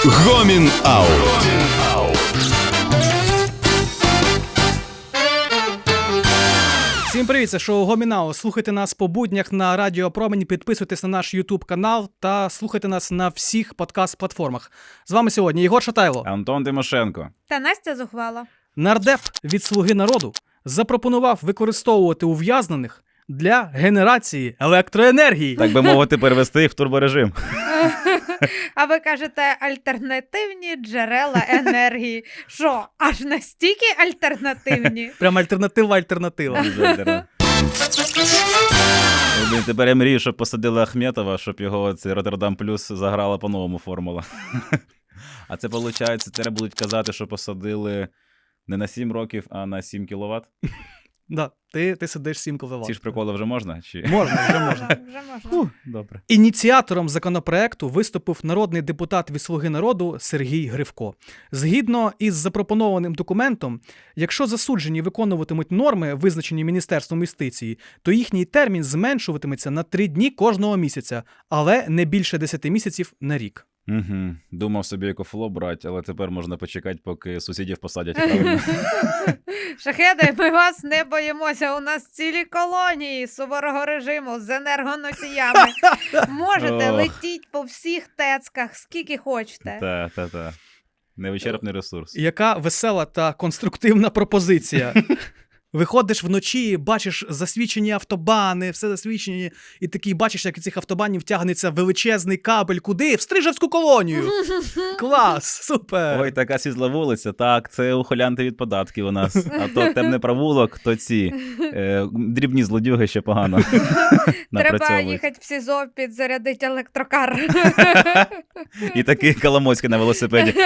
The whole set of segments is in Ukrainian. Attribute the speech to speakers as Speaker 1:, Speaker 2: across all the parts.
Speaker 1: Гомін Аут.
Speaker 2: Всім привіт, це шоу Гомін Аут. Слухайте нас по буднях на Радіо Промінь, підписуйтесь на наш YouTube канал та слухайте нас на всіх подкаст-платформах. З вами сьогодні Єгор Шатайло,
Speaker 3: Антон Тимошенко
Speaker 4: та Настя Зухвала.
Speaker 2: Нардеп від «Слуги народу» запропонував використовувати ув'язнених для генерації електроенергії.
Speaker 3: так би мовити, перевести їх в турборежим.
Speaker 4: А ви кажете альтернативні джерела енергії. Що, аж настільки альтернативні?
Speaker 2: Прям альтернатива.
Speaker 3: Тепер я мрію, щоб посадили Ахметова, щоб його цей Роттердам Плюс заграла по-новому формула. А це, виходить, тепер будуть казати, що посадили не на 7 років, а на 7 кіловат?
Speaker 2: Да, ти сидиш 7 кВт.
Speaker 3: Ці ж приколи вже можна? Чи...
Speaker 2: Можна, вже можна.
Speaker 4: Вже можна.
Speaker 3: Добре.
Speaker 2: Ініціатором законопроекту виступив народний депутат від «Слуги народу» Сергій Гривко. Згідно із запропонованим документом, якщо засуджені виконуватимуть норми, визначені Міністерством юстиції, то їхній термін зменшуватиметься на 3 дні кожного місяця, але не більше 10 місяців на рік.
Speaker 3: Угу. Думав собі екофло брати, але тепер можна почекати, поки сусідів посадять. Правильно?
Speaker 4: Шахеди, ми вас не боїмося. У нас цілі колонії суворого режиму з енергоносіями. Можете
Speaker 3: Ох.
Speaker 4: летіть по всіх тецках, скільки хочете.
Speaker 3: Та. Невичерпний ресурс.
Speaker 2: Яка весела та конструктивна пропозиція. Виходиш вночі, бачиш засвічені автобани, все засвічені, і такий бачиш, як із цих автобанів тягнеться величезний кабель. Куди? В Стрижевську колонію! Клас! Супер!
Speaker 3: Ой, така світла вулиця. Так, це ухилянти від податків у нас. А то темний провулок, то ці дрібні злодюги ще погано
Speaker 4: Треба
Speaker 3: напрацьовують.
Speaker 4: їхати в СІЗО підзарядити електрокар.
Speaker 3: І такий Коломойський на велосипеді.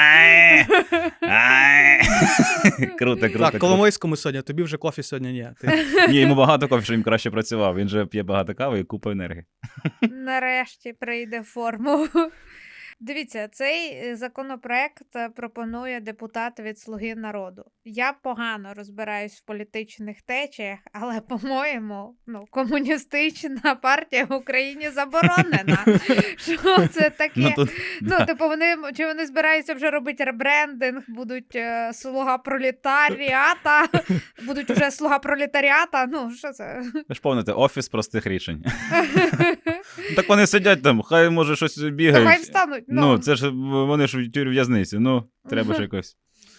Speaker 3: Круто.
Speaker 2: Так, Коломойському сьогодні, тобі вже кофі сьогодні ні.
Speaker 3: Ні, йому багато кофе, що він краще працював. Він же п'є багато кави і купа енергії.
Speaker 4: Нарешті прийде в форму. Дивіться, цей законопроект пропонує депутат від «Слуги народу». Я погано розбираюсь в політичних течіях, але, по-моєму, комуністична партія в Україні заборонена. Що це таке? Чи вони збираються вже робити ребрендинг, будуть слуга пролетаріата, будуть вже слуга пролетаріата, що це?
Speaker 3: Ви ж помните, офіс простих рішень. Так вони сидять там, хай може щось бігають.
Speaker 4: Хай встануть.
Speaker 3: Це ж вони ж в в'язниці, треба ж якось.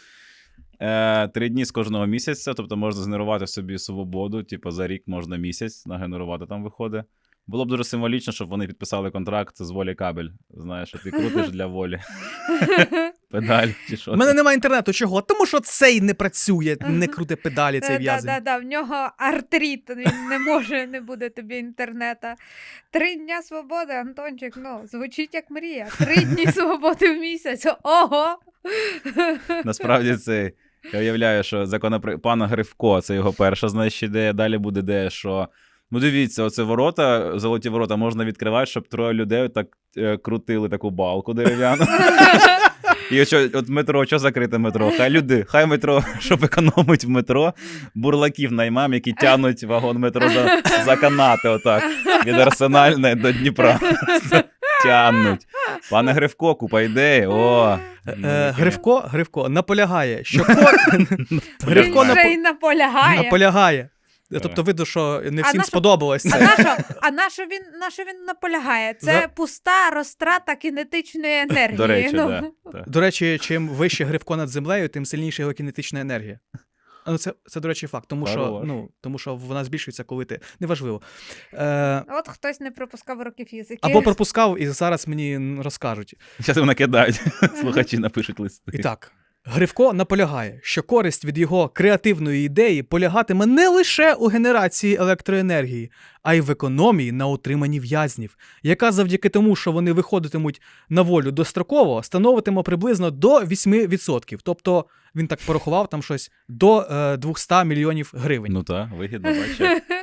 Speaker 3: 3 дні з кожного місяця, тобто можна згенерувати собі свободу, за рік можна місяць нагенерувати, там виходить. Було б дуже символічно, щоб вони підписали контракт з волі кабель. Знаєш, що ти крутиш для волі. Педаль чи що.
Speaker 2: У мене немає інтернету. Чого? Тому що цей не працює, не круте педалі, цей в'язень.
Speaker 4: В нього артрит, він не буде тобі інтернета. 3 дня свободи, Антончик, звучить як мрія. 3 дні свободи в місяць, ого!
Speaker 3: Насправді це, я уявляю, що пана Гривко, це його перша, ідея, далі буде ідея, що дивіться, оце ворота, золоті ворота можна відкривати, щоб 3 людей так крутили таку балку дерев'яну. І от метро, що закрите метро? Хай метро, щоб економить в метро, бурлаків наймам, які тягнуть вагон метро за канати отак, від Арсенальної до Дніпра. Тягнуть. Пане Гривко, купа ідеї.
Speaker 2: Гривко наполягає, що
Speaker 4: Він вже й наполягає.
Speaker 2: Тобто видно, що не всім сподобалось це.
Speaker 4: А на що він наполягає? Це пуста розтрата кінетичної енергії.
Speaker 3: До речі, да.
Speaker 2: До речі, чим вище Гривко над землею, тим сильніша його кінетична енергія. Це, до речі, факт, тому що вона збільшується, коли ти... Неважливо.
Speaker 4: От хтось не пропускав уроків язиків.
Speaker 2: Або пропускав, і зараз мені розкажуть.
Speaker 3: Зараз накидають, слухачі напишуть листи.
Speaker 2: І так. Гривко наполягає, що користь від його креативної ідеї полягатиме не лише у генерації електроенергії, а й в економії на утриманні в'язнів, яка завдяки тому, що вони виходитимуть на волю достроково, становитиме приблизно до 8%. Тобто, він так порахував, там щось до 200 мільйонів гривень.
Speaker 3: Так, вигідно, бачиш.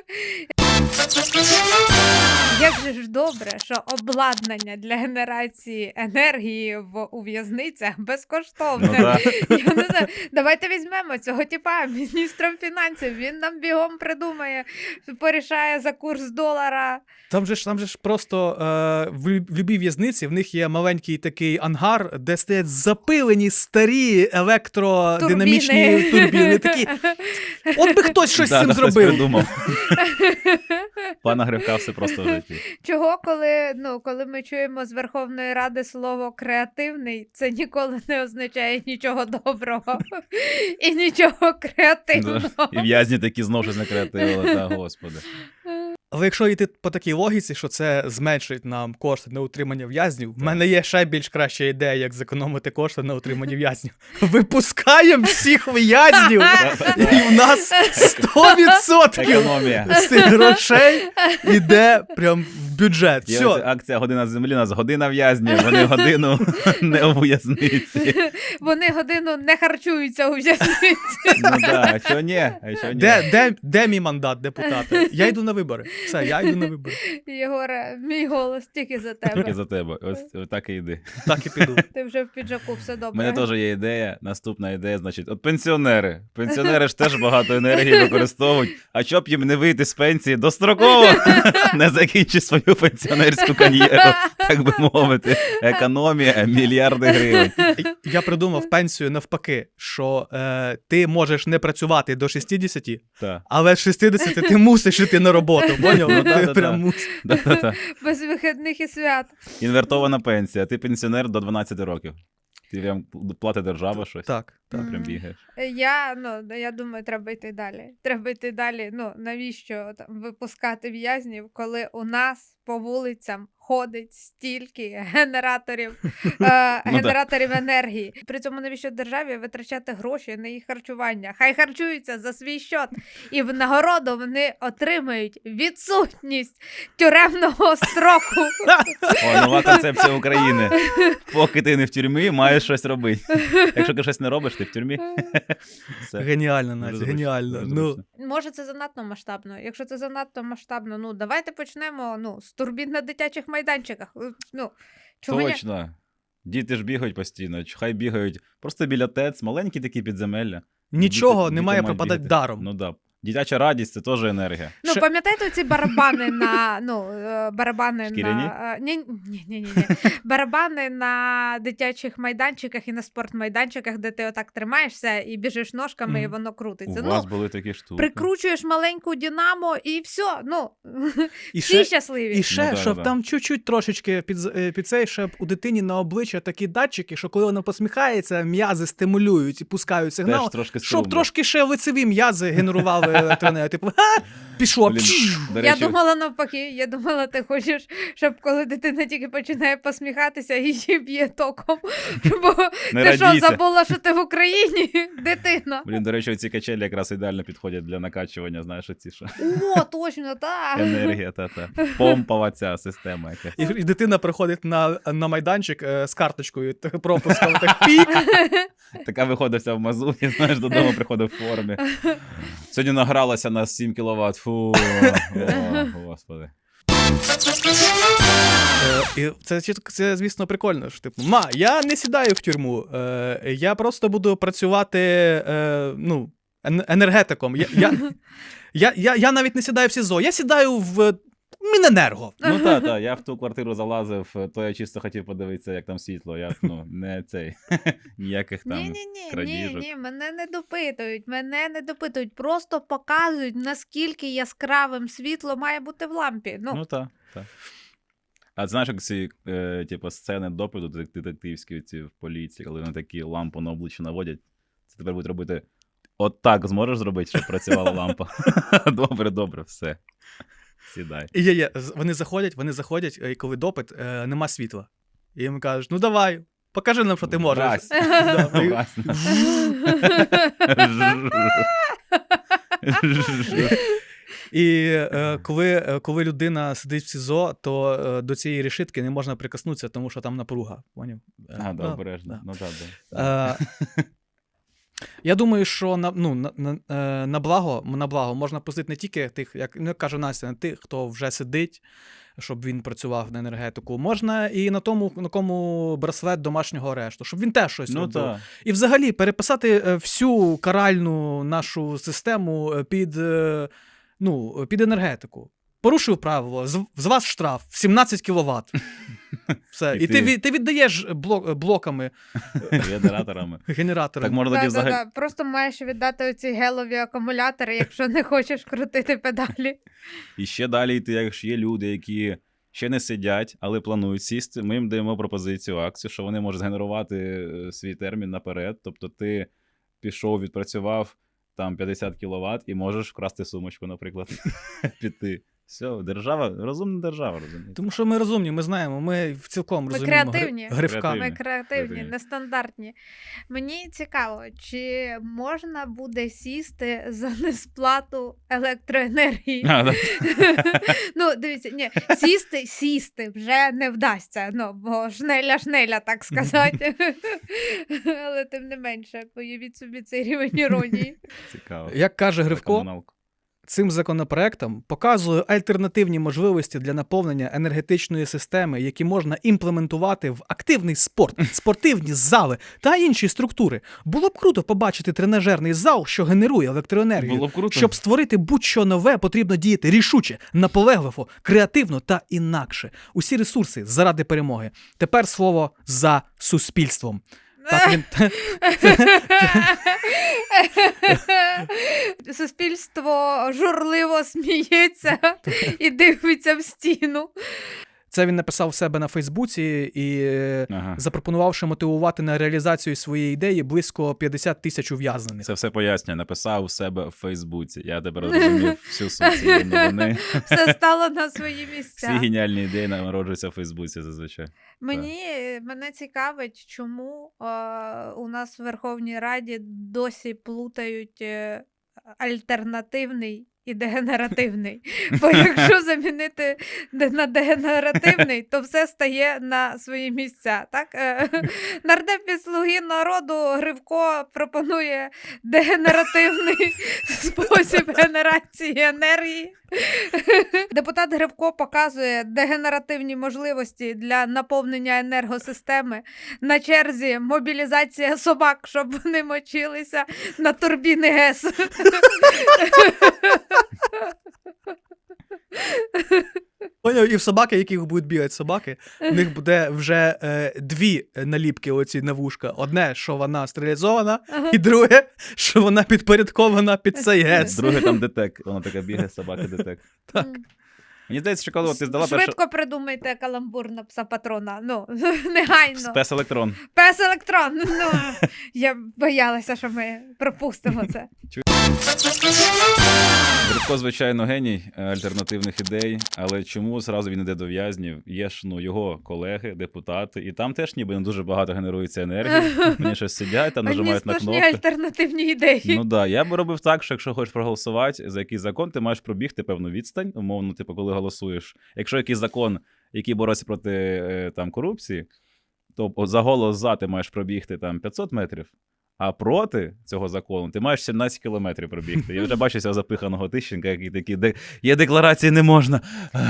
Speaker 4: Як же ж добре, що обладнання для генерації енергії у в'язницях безкоштовне.
Speaker 3: Ну, да.
Speaker 4: Я не знаю, давайте візьмемо цього типа міністром фінансів, він нам бігом придумає, порішає за курс долара.
Speaker 2: Там же ж просто в любій в'язниці в них є маленький такий ангар, де стоять запилені старі електродинамічні турбіни. Такі, от би хтось щось з цим
Speaker 3: Хтось
Speaker 2: зробив.
Speaker 3: придумав. Пана Гривка все просто в житті.
Speaker 4: Чого, коли ми чуємо з Верховної Ради слово «креативний», це ніколи не означає нічого доброго і нічого креативного.
Speaker 3: І в'язні такі знову щось накреативили, та господи.
Speaker 2: Але якщо йти по такій логіці, що це зменшить нам кошти на утримання в'язнів, в мене є ще більш краща ідея, як зекономити кошти на утриманні в'язнів. Випускаємо всіх в'язнів, і в нас 100%
Speaker 3: Економія.
Speaker 2: з цих грошей іде прям в бюджет.
Speaker 3: Є
Speaker 2: Все.
Speaker 3: оця акція «Година землі», у нас година в'язнів, вони годину не у в'язниці.
Speaker 4: Вони годину не харчуються у в'язниці.
Speaker 3: Ну так, а що ні? А що ні?
Speaker 2: Де мій мандат, депутата? Я йду на вибори. Все, я йду на вибори.
Speaker 4: Єгоре, мій голос тільки за
Speaker 3: Тільки
Speaker 4: тебе.
Speaker 3: за тебе. Ось так і йди.
Speaker 2: Так і піду.
Speaker 4: Ти вже в піджаку, все
Speaker 3: У
Speaker 4: добре.
Speaker 3: мене теж є ідея. Наступна ідея, значить, от пенсіонери. Пенсіонери ж теж багато енергії використовують. А щоб їм не вийти з пенсії достроково, не закінчити свою пенсіонерську кар'єру, так би мовити. Економія мільярди гривень.
Speaker 2: Я придумав пенсію навпаки, що ти можеш не працювати до 60,
Speaker 3: Так.
Speaker 2: але з 60 ти мусиш йти на роботу, поняв?
Speaker 3: Ну,
Speaker 2: Ти
Speaker 3: да-да-да.
Speaker 2: прям мусиш.
Speaker 3: Да-да-да.
Speaker 4: Без вихідних і свят.
Speaker 3: Інвертована пенсія. Ти пенсіонер до 12 років. Ти прям платить держава щось.
Speaker 2: Так, так.
Speaker 3: Прям бігаєш.
Speaker 4: Я думаю, треба йти далі. Треба йти далі. Навіщо там випускати в'язнів, коли у нас по вулицям ходить стільки генераторів енергії. При цьому навіщо державі витрачати гроші на їх харчування? Хай харчуються за свій счет. І в нагороду вони отримають відсутність тюремного строку.
Speaker 3: О, нова концепція України. Поки ти не в тюрмі, маєш щось робити. Якщо ти щось не робиш, ти в тюрмі. Все.
Speaker 2: Геніально, Настя,
Speaker 3: Дуже
Speaker 2: геніально.
Speaker 3: зручно,
Speaker 2: Ну,
Speaker 3: дуже зручно.
Speaker 4: Може, це занадто масштабно. Якщо це занадто масштабно, давайте почнемо з турбін на дитячих майданчиках. Чого ні?
Speaker 3: Точно. Діти ж бігають постійно. Хай бігають просто біля ТЕЦ, маленькі такі підземелля.
Speaker 2: нічого
Speaker 3: Діти
Speaker 2: не має
Speaker 3: мають
Speaker 2: пропадати
Speaker 3: бігати.
Speaker 2: даром.
Speaker 3: Ну да. Дитяча радість це теж енергія.
Speaker 2: Ще-
Speaker 4: Пам'ятаєте ці барабани на барабани
Speaker 3: Шкіряні?
Speaker 4: на ні. Барабани на дитячих майданчиках і на спортмайданчиках, де ти отак тримаєшся і біжиш ножками, і
Speaker 2: Мгм.
Speaker 4: воно
Speaker 3: У
Speaker 4: крутиться.
Speaker 3: вас були такі штуки.
Speaker 4: Прикручуєш маленьку Динамо і все.
Speaker 2: І
Speaker 4: Всі
Speaker 2: ще,
Speaker 4: щасливі.
Speaker 2: і ще
Speaker 3: Ну, да,
Speaker 2: щоб
Speaker 3: да.
Speaker 2: там чуть-чуть трошечки під цей, щоб у дитині на обличчя такі датчики, що коли вона посміхається, м'язи стимулюють і пускають сигнал,
Speaker 3: Теж трошки
Speaker 2: щоб
Speaker 3: струмно.
Speaker 2: трошки ще лицеві м'язи генерували електроенергію. Типу, пішло.
Speaker 3: Блін, до
Speaker 4: Я
Speaker 3: речі,
Speaker 4: думала навпаки, я думала, ти хочеш, щоб коли дитина тільки починає посміхатися, її б'є током. Бо
Speaker 3: не
Speaker 4: ти що,
Speaker 3: радійся.
Speaker 4: забула, що ти в Україні, дитина?
Speaker 3: Блін, до речі, ці качелі якраз ідеально підходять для накачування, знаєш, оці що.
Speaker 4: О, точно, так.
Speaker 3: Енергія, та-та. Помпова ця система якась.
Speaker 2: І дитина приходить на майданчик з карточкою, пропуском, так пік.
Speaker 3: Така виходить вся в мазуті, знаєш, додому приходить в формі. Сьогодні награлася на 7 кВт. Фу, о, господи.
Speaker 2: І це, звісно, прикольно. Що, типу, я не сідаю в тюрму, я просто буду працювати енергетиком. Я навіть не сідаю в СІЗО, я сідаю в Міненерго.
Speaker 3: Ну та, я в ту квартиру залазив, то я чисто хотів подивитися, як там світло. Я, не цей, ніяких там крадіжок.
Speaker 4: Ні, мене не допитують, просто показують, наскільки яскравим світло має бути в лампі.
Speaker 3: Ну так. А знаєш, як ці сцени допиту детективські ці в поліції, коли вони такі лампу на обличчя наводять, це тепер будуть робити отак зможеш зробити, щоб працювала лампа? Добре, все. Сідай.
Speaker 2: І вони заходять, і коли допит, нема світла. І їм кажуть, ну давай, покажи нам, що ти можеш.
Speaker 3: Вразь.
Speaker 2: Да, і-
Speaker 3: Вразь.
Speaker 2: І коли людина сидить в СІЗО, то до цієї решітки не можна прикоснутися, тому що там напруга. Поняв?
Speaker 3: А, да,
Speaker 2: Ну,
Speaker 3: обережно.
Speaker 2: да.
Speaker 3: Ну, да.
Speaker 2: Я думаю, що на благо можна пустити не тільки тих, як каже Настя, не тих, хто вже сидить, щоб він працював на енергетику. Можна і на тому, на кому браслет домашнього арешту, щоб він теж щось робив.
Speaker 3: Так.
Speaker 2: І взагалі переписати всю каральну нашу систему під енергетику. Порушив правило, з вас штраф 17 кВт. Все. І ти віддаєш блоками,
Speaker 3: Генераторами.
Speaker 2: генераторами.
Speaker 3: Так можна тоді взагалі...
Speaker 4: Просто маєш віддати оці гелові акумулятори, якщо не хочеш крутити педалі.
Speaker 3: І ще далі йти, якщо є люди, які ще не сидять, але планують сісти, ми їм даємо пропозицію, акцію, що вони можуть згенерувати свій термін наперед. Тобто ти пішов, відпрацював там 50 кВт і можеш вкрасти сумочку, наприклад, піти. Все, розумна держава, розумієте.
Speaker 2: Тому що ми розумні, ми знаємо, ми цілком
Speaker 4: Ми
Speaker 2: розуміємо
Speaker 4: креативні.
Speaker 2: Гривка.
Speaker 4: Ми креативні,
Speaker 3: Креативні.
Speaker 4: нестандартні. Мені цікаво, чи можна буде сісти за несплату електроенергії? Дивіться, ні, сісти вже не вдасться, бо шнеля, так сказати. Але тим не менше, появіть собі цей рівень іронії.
Speaker 3: Цікаво.
Speaker 2: Як каже
Speaker 3: Про
Speaker 2: Гривко,
Speaker 3: комуналку.
Speaker 2: цим законопроектом показує альтернативні можливості для наповнення енергетичної системи, які можна імплементувати в активний спорт, спортивні зали та інші структури. Було б круто побачити тренажерний зал, що генерує електроенергію.
Speaker 3: Було б круто.
Speaker 2: Щоб створити будь-що нове, потрібно діяти рішуче, наполегливо, креативно та інакше. Усі ресурси заради перемоги. Тепер слово за суспільством. Так він...
Speaker 4: Суспільство журливо сміється і дивиться в стіну.
Speaker 2: Це він написав в себе на Фейсбуці і запропонувавши мотивувати на реалізацію своєї ідеї близько 50 тисяч ув'язнених.
Speaker 3: Це все пояснює. Написав у себе в Фейсбуці. Я тепер розумів всю суть цієї новини.
Speaker 4: Все стало на свої місця.
Speaker 3: Всі геніальні ідеї народжуються в Фейсбуці зазвичай.
Speaker 4: Мене цікавить, чому у нас в Верховній Раді досі плутають альтернативний і дегенеративний. Бо якщо замінити на дегенеративний, то все стає на свої місця. Так? Нардеп від «Слуги народу» Гривко пропонує дегенеративний спосіб генерації енергії. Депутат Гривко показує дегенеративні можливості для наповнення енергосистеми. На черзі мобілізація собак, щоб вони мочилися на турбіни ГЕС.
Speaker 2: Поняв, і в собаки, яких будуть бігати собаки, в них буде вже дві наліпки оці на вушка. Одне, що вона стерилізована, і друге, що вона підпорядкована під цей ГЕС.
Speaker 3: Друге там детек. Вона така бігає, собака детек.
Speaker 2: Так.
Speaker 3: Мені здається, що коли ти здала першу...
Speaker 4: Швидко придумайте каламбур на пса-патрона. Негайно.
Speaker 3: Спес-електрон.
Speaker 4: Пес-електрон. Я боялася, що ми пропустимо це.
Speaker 3: Гривко, звичайно, геній альтернативних ідей, але чому зразу він йде до в'язнів? Є ж його колеги, депутати, і там теж ніби не дуже багато генерується енергії. Вони щось сидять, там нажимають на
Speaker 4: сплошні
Speaker 3: кнопки.
Speaker 4: альтернативні ідеї.
Speaker 3: Я би робив так, що якщо хочеш проголосувати за якийсь закон, ти маєш пробігти певну відстань, умовно, коли голосуєш. Якщо якийсь закон, який бореться проти корупції, то за голос за ти маєш пробігти 500 метрів, а проти цього закону ти маєш 17 кілометрів пробігти. Я вже бачу цього запиханого Тищенка, який такий, є декларації, не можна.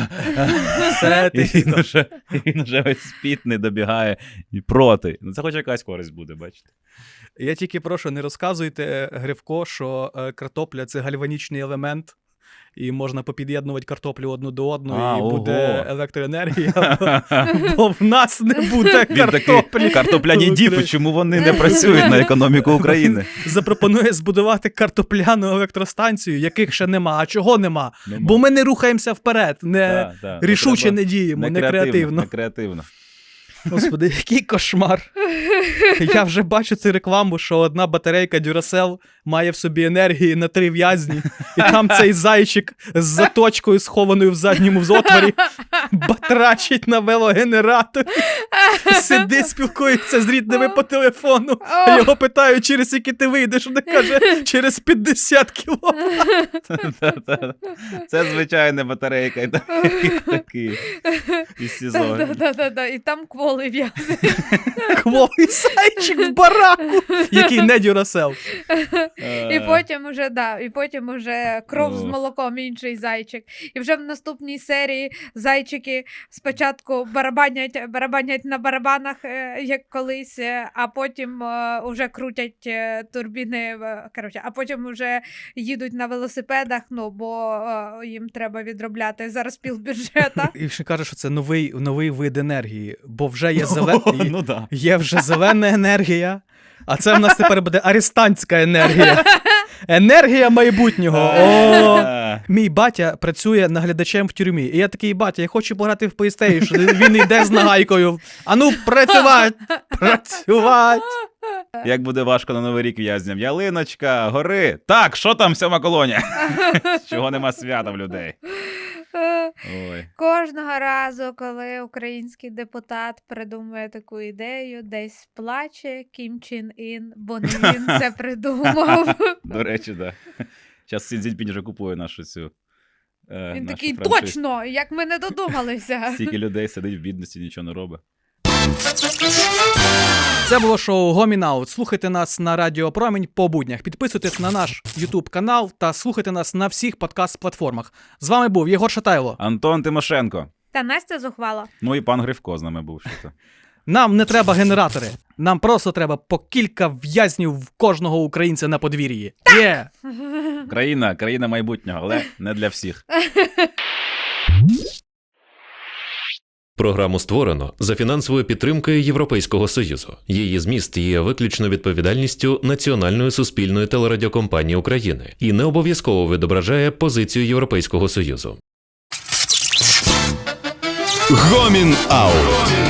Speaker 3: І він вже весь спітний добігає проти. Це хоч якась користь буде, бачите.
Speaker 2: Я тільки прошу, не розказуйте, Гривко, що картопля – це гальванічний елемент, і можна попід'єднувати картоплю одну до одної, і буде електроенергія, бо в нас не буде картоплі.
Speaker 3: Картопляні діпи, чому вони не працюють на економіку України?
Speaker 2: Запропонує збудувати картопляну електростанцію, яких ще нема. А чого нема? Бо ми не рухаємося вперед, не рішуче не діємо, не креативно.
Speaker 3: Не креативно.
Speaker 2: Господи, який кошмар. Я вже бачу цю рекламу, що одна батарейка Duracell має в собі енергії на 3 в'язні, і там цей зайчик з заточкою, схованою в задньому отворі, батрачить на велогенераторі. Сидить, спілкується з рідними по телефону, а його питають, через які ти вийдеш. Він каже, через 50 кілометрів.
Speaker 3: Це звичайна батарейка. Такий із СІЗО.
Speaker 4: Да. І там кволи в'язані.
Speaker 2: Кволий зайчик в бараку, який не дюрасел.
Speaker 4: І потім уже кров з молоком, інший зайчик. І вже в наступній серії зайчики спочатку барабанять на барабанах, як колись, а потім уже крутять турбіни, а потім уже їдуть на велосипедах, бо їм треба відробляти зараз півбюджета.
Speaker 2: І ще каже, що це новий вид енергії, бо вже є вже зелена енергія, а це в нас тепер буде арестантська енергія. Енергія майбутнього. Мій батя працює наглядачем в тюрмі. І я такий, батя, я хочу пограти в PlayStation. Він йде з нагайкою. А ну, працювати!
Speaker 3: Як буде важко на Новий рік в'язням. Ялиночка, гори. Так, що там 7-ма колонія? Чого нема свята в людей? Ой.
Speaker 4: Кожного разу, коли український депутат придумує таку ідею, десь плаче Кім Чен Ін, бо не він це придумав.
Speaker 3: До речі, так. Зараз Сі Цзіньпінь вже купує нашу цю
Speaker 4: Він такий, точно, як ми не додумалися.
Speaker 3: Стільки людей сидить в бідності, нічого не робить.
Speaker 2: Це було шоу Гомін Аут. Слухайте нас на Радіо Промінь по буднях. Підписуйтесь на наш YouTube канал та слухайте нас на всіх подкаст-платформах. З вами був Єгор Шатайло.
Speaker 3: Антон Тимошенко.
Speaker 4: Та Настя Зухвала.
Speaker 3: Ну і пан Гривко з нами був. Що-то.
Speaker 2: Нам не треба генератори. Нам просто треба по кілька в'язнів в кожного українця на подвір'ї. Є!
Speaker 3: Країна майбутнього, але не для всіх.
Speaker 1: Програму створено за фінансовою підтримкою Європейського Союзу. Її зміст є виключно відповідальністю Національної суспільної телерадіокомпанії України і не обов'язково відображає позицію Європейського Союзу.
Speaker 5: Гомін Аут.